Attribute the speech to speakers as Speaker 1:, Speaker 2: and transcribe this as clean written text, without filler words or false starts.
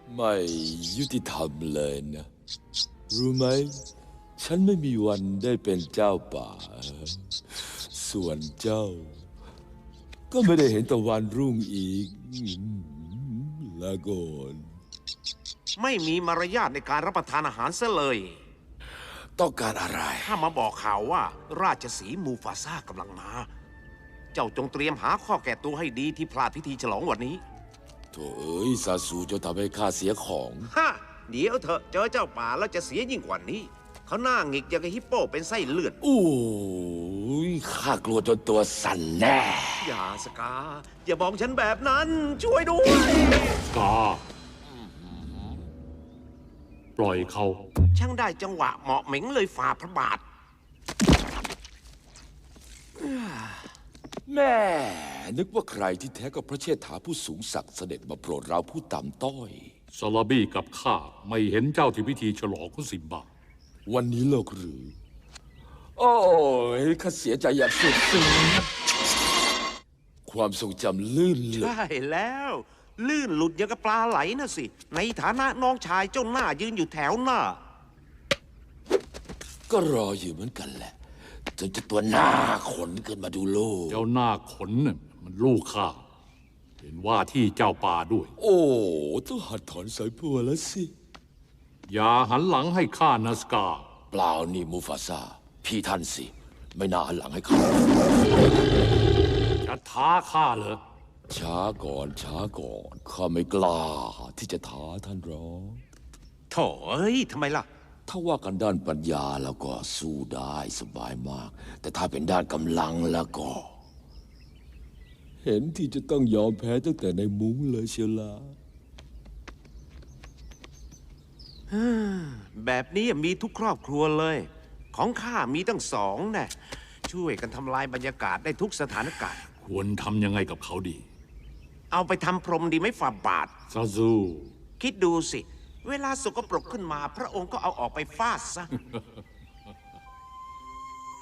Speaker 1: ไม่ยุติธรรมเลยนะ รู้ไหม ฉันไม่มีวันได้เป็นเจ้าป่า ส่วนเจ้า ก็ไม่ได้เห็นตะวันรุ่งอีกลาก่อน
Speaker 2: ไม่มีมารยาทในการรับประทานอาหารซะเลย
Speaker 1: ต้องการอะไร
Speaker 2: ถ้ามาบอกข่าวว่า ราชสีห์มูฟาซ่ากำลังมา เจ้าจงเตรียมหาข้อแก้ตัวให้ดีที่พลาดพิธีฉลองวันนี้
Speaker 1: โถเอ้ยซาสูจะทำให้ข้าเสียของ
Speaker 2: ฮะ เดี๋ยวเถอะเจอเจ้าป่าแล้วจะเสียยิ่งกว่านี้ เขาหน้าหงิกอย่างกับฮิปโปเป็นไส้เลือด
Speaker 1: โอ้ยข้ากลัวจนตัวสั่นแน่
Speaker 2: อย่าสกา อย่าบอกฉันแบบนั้น ช่วยด้วย
Speaker 3: กาปล่อยเขา
Speaker 2: ช่างได้จังหวะเหมาะเหม็งเลยฝ่าพระบาท
Speaker 1: แม่นึกว่าใครที่แท้ก็พระเชษฐาผู้สูงศักดิ์เสด็จมาโปรดเราผู้ต่ำต้อย
Speaker 3: ซาลาบี้กับข้าไม่เห็นเจ้าที่พิธีฉลองของสิมบา
Speaker 1: วันนี้เลิกหรือ โอ้ยข้าเสียใจอย่างสุดซึ้งความทรงจำลื่นเลย
Speaker 2: ใช่แล้ว ลื่นหลุดอย่างกับปลาไหลนะสิ ในฐานะน้องชายเจ้าหน้ายืนอยู่แถวหน้า
Speaker 1: ก็รออยู่เหมือนกันแหละ จนจะตัวหน้าขนขึ้นมาดูโลก
Speaker 3: เจ้าหน้าขนน่ะมันลูกข้าเป็นว่าที่เจ้าป่าด้วย
Speaker 1: โอ้ต้องหัดถอนสายบัวแล้วสิ
Speaker 3: อย่าหันหลังให้ข้านาสกา
Speaker 1: เปล่านี่มูฟาซาพี่ท่านสิ ไม่น่าหันหลังให้เขา
Speaker 3: จะท้าข้าเหรอ
Speaker 1: ช้าก่อนช้าก่อนข้าไม่กล้าที่จะท้าท่านหรอก
Speaker 2: โถ่เอ้ยทำไมล่ะ
Speaker 1: ถ้าว่ากันด้านปัญญาแล้วก็สู้ได้สบายมาก แต่ถ้าเป็นด้านกำลังแล้วก็ เห็นที่จะต้องยอมแพ้ตั้งแต่ในมุ้งเลยเชียวล่ะ
Speaker 2: แบบนี้มีทุกครอบครัวเลย ของข้ามีตั้งสองแน่ช่วยกันทำลายบรรยากาศได้ทุกสถานการณ์
Speaker 3: ควรทำยังไงกับเขาดี
Speaker 2: เอาไปทำพรมดีไหม่ฝ่าบาท
Speaker 3: ซาซู
Speaker 2: คิดดูสิ เวลาสกปรกขึ้นมา พระองค์ก็เอาออกไปฟาดซะ